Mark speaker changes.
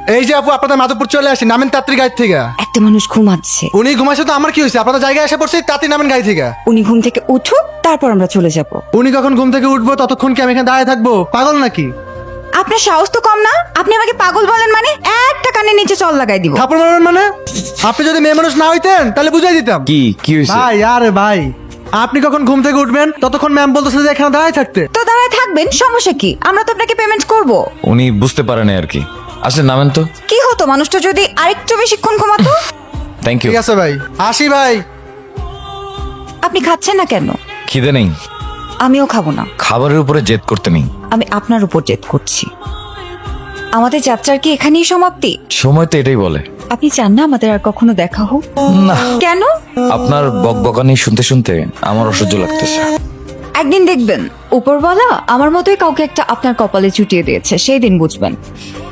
Speaker 1: এই যে আপু, আপনাদের মাধবপুর চলে আসি, নামেন তাড়াতাড়ি গাড়ি থেকে।
Speaker 2: একটা মানুষ ঘুমাচ্ছে,
Speaker 1: উনি ঘুমাইছে তো আমার কি হয়েছে? আপনাদের জায়গায় এসে পড়ছি, তাড়াতাড়ি নামেন গাড়ি থেকে।
Speaker 2: উনি ঘুম থেকে উঠুক, তারপর আমরা চলে যাব।
Speaker 1: উনি কখন ঘুম থেকে উঠবো ততক্ষণ কি আমি এখানে দাঁড়িয়ে থাকবো? পাগল নাকি?
Speaker 2: আপনার সাহস তো কম না? আপনি আমাকে পাগল বলেন মানে একটা কানে নিচে চল লাগাই দিব।
Speaker 1: থাপড় মারবেন মানে? আপনি যদি মেয়ে মানুষ না হইতেন তাহলে বুঝাই দিতাম।
Speaker 3: কি হয়েছে?
Speaker 1: ভাই আরে ভাই, আপনি কখন ঘুম থেকে উঠবেন ততক্ষণ ম্যাম বলতেছে যে এখানে দাঁড়িয়ে থাকতে।
Speaker 2: তো দাঁড়ায় থাকবেন, সমস্যা কি? আমরা তো আপনাকে পেমেন্ট করব।
Speaker 3: উনি বুঝতে পারেন আর কি। আসলে নামেন তো।
Speaker 2: কি হতো মানুষটা যদি আরেকটু বেশিক্ষণ ঘুমাতো?
Speaker 3: Thank you.
Speaker 1: ঠিক আছে ভাই, আসি ভাই।
Speaker 2: আপনি খাচ্ছেন না কেন?
Speaker 3: খিদে নেই।
Speaker 2: আমিও খাবো না।
Speaker 3: খাবারের উপরে জেদ করতে নেই।
Speaker 2: আমি আপনার উপর জেদ করছি। আমাদের যাত্রার কি এখানেই সমাপ্তি?
Speaker 3: সময় তো এটাই বলে।
Speaker 2: আপনি চান না আমাদের আর কখনো দেখা হোক?
Speaker 3: না,
Speaker 2: কেন?
Speaker 3: আপনার বকবকানি শুনতে শুনতে আমার অসহ্য লাগতেছে।
Speaker 2: একদিন দেখবেন উপরওয়ালা আমার মতোই কাউকে একটা আপনার কপালে চুটিয়ে দিয়েছে, সেই দিন বুঝবেন।